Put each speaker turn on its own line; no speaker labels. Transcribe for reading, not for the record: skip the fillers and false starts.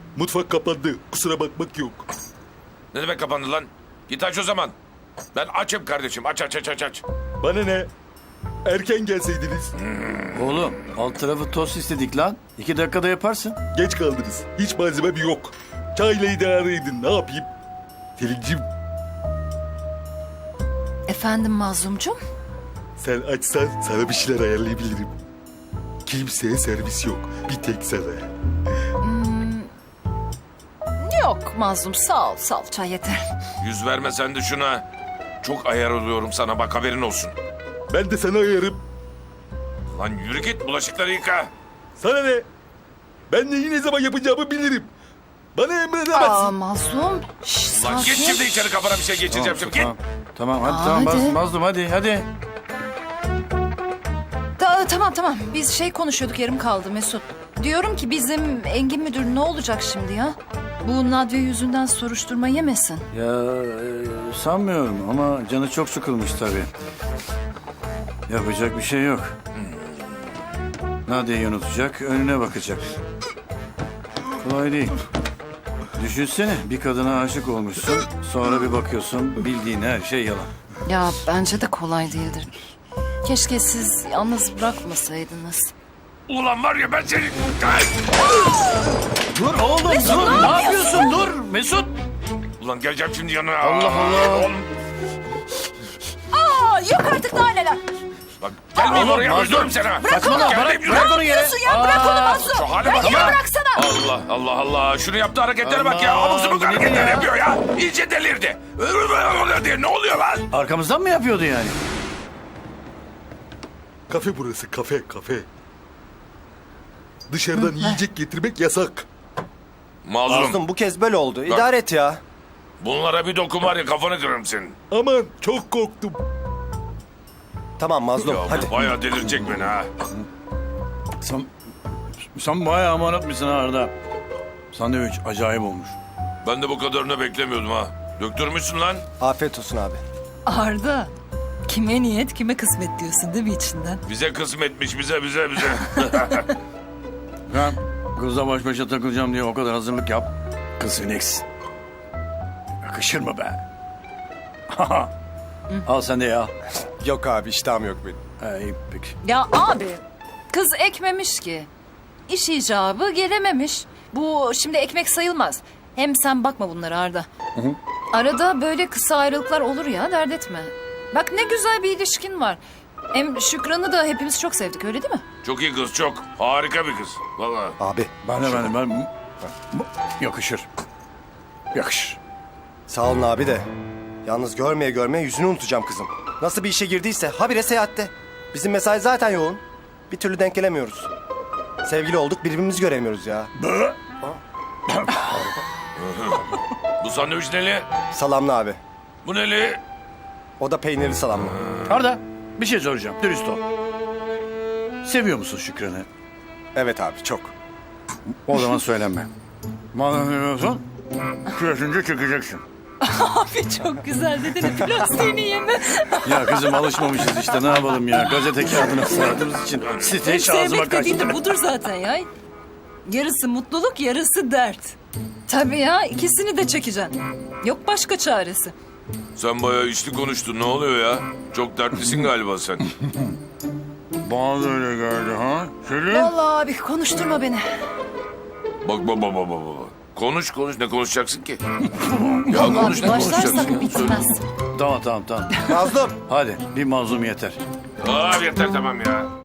Mutfak kapandı. Kusura bakmak yok.
Ne demek kapandı lan? Git aç o zaman. Ben açım kardeşim. Aç.
Bana ne? Erken gelseydiniz.
Oğlum alt tarafı tost istedik lan. 2 dakikada yaparsın.
Geç kaldınız. Hiç malzemem yok. Çayla idare edin. Ne yapayım? Selin'cim
Efendim Mazlumcum?
sen açsan sana bir şeyler ayarlayabilirim. Kimseye servis yok. Bir tek sana.
Yok Mazlum sağ ol çay yeter.
Yüz verme sen de şuna. Çok ayar oluyorum sana bak haberin olsun.
Ben de sana ayarım.
Lan yürü git bulaşıkları yıka.
Sana ne? Ben neyi ne zaman yapacağımı bilirim. Bana emredemezsin.
Aa Mazlum. Şş,
Lan git
sakin.
şimdi içeri kafana bir şey geçireceğim şimdi git.
Tamam hadi
Aa,
tamam
hadi.
Mazlum hadi.
Tamam. Biz konuşuyorduk yarım kaldı Mesut. Diyorum ki bizim Engin müdür ne olacak şimdi ya? Bu Nadve yüzünden soruşturma yemesin.
Ya sanmıyorum ama canı çok sıkılmış tabii. Yapacak bir şey yok. Nadia'yı unutacak, önüne bakacak. Kolay değil. Düşünsene bir kadına aşık olmuşsun, sonra bir bakıyorsun bildiğin her şey yalan.
Ya bence de kolay değildir. Keşke siz yalnız bırakmasaydınız.
Ulan var ya ben seni...
Dur oğlum dur, ne yapıyorsun dur Mesut.
Ulan geleceğim şimdi yanına.
Allah Allah.
Oğlum,
Aa, yok artık daha neler.
bak gelmeyin
Oğlum,
oraya
Mazlum.
öldürürüm seni. ha.
Saçmalama
Gelmeyin,
bırak
yürü.
onu yere.
Ya bırak onu Mazlum.
Şu hale bak
Ya
ya.
bıraksana.
Allah. Şunu yaptığı hareketlere bak ya.
Allah,
Abuk subuk
bu nedir
hareketler
ya?
yapıyor ya. İyice delirdi. Ne oluyor lan?
Arkamızdan mı yapıyordu yani?
Kafe burası, kafe. Dışarıdan yiyecek getirmek yasak.
Mazlum.
Mazlum bu kez böyle oldu. İdare et ya.
Bunlara bir dokun var ya kafanı kırarım senin.
Aman çok korktum.
Tamam Mazlum
Ya
hadi.
bu bayağı delirecek beni ha.
Sen bayağı amanat mısın Arda? Sandviç acayip olmuş.
Ben de bu kadarını beklemiyordum ha. Döktürmüşsün lan.
Afiyet olsun abi.
Arda, kime niyet kime kısmet diyorsun değil mi içinden?
Bize kısmetmiş bize.
Ben kızla baş başa takılacağım diye o kadar hazırlık yap. Kız Phoenix. Yakışır mı be? Al sen de ya.
Yok abi iştahım yok benim.
İyi peki.
Ya abi kız ekmemiş ki. İş icabı gelememiş. Bu şimdi ekmek sayılmaz. Hem sen bakma bunlara Arda. Arada böyle kısa ayrılıklar olur ya dert etme. Bak ne güzel bir ilişkin var. Hem Şükran'ı da hepimiz çok sevdik öyle değil mi?
Çok iyi kız çok. Harika bir kız. Vallahi.
Abi
Ben yakışır. Yakışır.
sağ olun abi de. Yalnız görmeye yüzünü unutacağım kızım. Nasıl bir işe girdiyse habire seyahatte. Bizim mesai zaten yoğun. Bir türlü denk gelemiyoruz. Sevgili olduk birbirimizi göremiyoruz ya.
Bu sandviç neli?
Salamlı abi.
Bu neli?
O da peynirli salamlı.
Arda bir şey soracağım. Dürüst ol. Seviyor musun Şükran'ı?
Evet abi çok.
O zaman söylenme. Madem seviyorsun, küresince çekeceksin.
Abi çok güzel dedin. Plastiğini yeme.
Ya kızım alışmamışız işte ne yapalım ya. Gazete kağıdına sığardığımız için site hiç ağzıma
Sevmek dediğin
kaçtı.
de budur zaten ya. Yarısı mutluluk, yarısı dert.
Tabii ya
İkisini de çekeceksin. Yok başka çaresi.
Sen bayağı içli konuştun. Ne oluyor ya? Çok dertlisin galiba sen.
Bana da öyle geldi ha. Selin?
vallahi abi konuşturma beni.
Bak. Konuş. Ne konuşacaksın ki? Ya
Vallahi
konuş ne
başlarsak
konuşacaksın?
bitmez.
Tamam.
Mazlum.
Hadi bir mazlum yeter.
Aa yeter tamam ya.